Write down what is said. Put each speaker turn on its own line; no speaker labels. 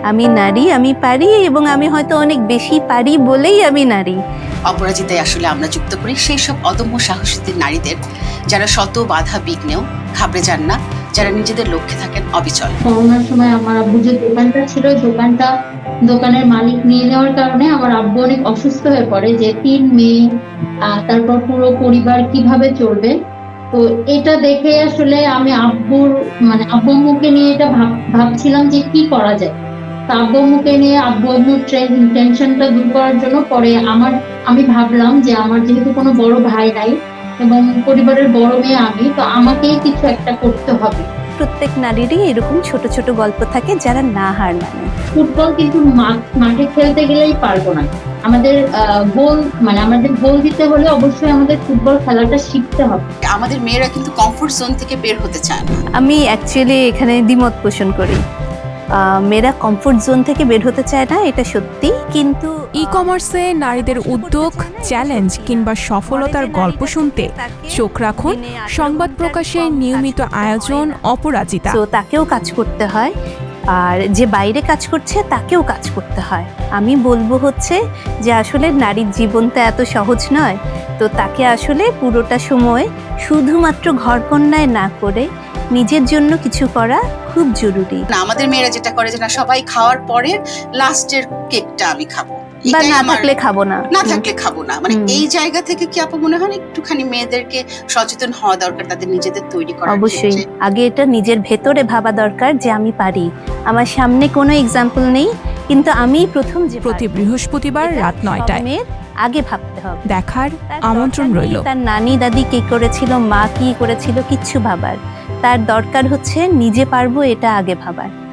আমি নারী, আমি পারি, এবং আমি হয়তো অনেক বেশি পারি বলেই আমি নারী।
অপরাজিতায় আসলে আমরা যুক্ত করি সেই সব অদম্য সাহসী নারীদের যারা শত বাধা বিঘ্নেও ঘাবড়ে যান না, যারা নিজেদের লক্ষ্যে থাকেন অবিচল।
করোনার সময় আমার আব্বু যে দোকানটা ছিল, দোকানের মালিক নিয়ে নেওয়ার কারণে আমার আব্বু অনেক অসুস্থ হয়ে পড়ে, যে 3 মেয়ে, তারপর পুরো পরিবার কিভাবে চলবে। তো এটা দেখে আসলে আমি আব্বু আম্মুকে নিয়ে এটা ভাবছিলাম যে কি করা যায়। তো আব্বু আম্মুকে নিয়ে আব্বু আম্মুর টেনশনটা দূর করার জন্য পরে আমি ভাবলাম যে আমার যেহেতু কোনো বড় ভাই নাই এবং পরিবারের বড় মেয়ে আমি, তো আমাকেই কিছু একটা করতে হবে।
প্রত্যেক নারীরই এরকম ছোট ছোট গল্প থাকে যারা না হার মানে।
ফুটবল কিন্তু মাঠে খেলতে গেলেই পারবো না। আমাদের গোল দিতে হলে অবশ্যই আমাদের ফুটবল খেলাটা শিখতে হবে।
আমাদের মেয়েরা কিন্তু কমফোর্ট জোন থেকে বের হতে চায় না।
আমি অ্যাকচুয়ালি এখানে দ্বিমত পোষণ করি। মেয়েরা কমফোর্ট জোন থেকে বের হতে চায় না, এটা সত্যি, কিন্তু
ই-কমার্সে নারীদের উদ্যোগ, চ্যালেঞ্জ কিংবা সফলতার গল্প শুনতে চোখ রাখুন সংবাদ প্রকাশের নিয়মিত আয়োজন অপরাজিতা।
তো তাকেও কাজ করতে হয়, আর যে বাইরে কাজ করছে তাকেও কাজ করতে হয়। আমি বলবো হচ্ছে যে আসলে নারীর জীবনটা এত সহজ নয়, তো তাকে আসলে পুরোটা সময় শুধুমাত্র ঘরকন্যায় না করে নিজের জন্য কিছু করা খুব জরুরি।
না, আমাদের মেয়েরা যেটা করে যে না, সবাই খাওয়ার পরে লাস্টের কেকটা আমি খাবো,
বা না থাকলে খাবো না,
না থাকলে খাবো না, মানে এই জায়গা থেকে কি আপু মনে হয় একটুখানি মেয়েদেরকে সচেতন হওয়া দরকার, তাদের নিজেদের তৈরি করা?
অবশ্যই আগে এটা নিজের ভেতরে ভাবা দরকার যে আমি পারি। আমার সামনে কোনো এক্সাম্পল নেই, কিন্তু আমি প্রথম যে
প্রতি বৃহস্পতিবার রাত 9টায়
আগে ভাবতে হবে।
দেখার আমন্ত্রণ রইল।
তার নানি দাদি কি করেছিল, মা কি করেছিল, কিচ্ছু ভাবার, তার দরকার হচ্ছে নিজে পারবো এটা আগে ভাবার।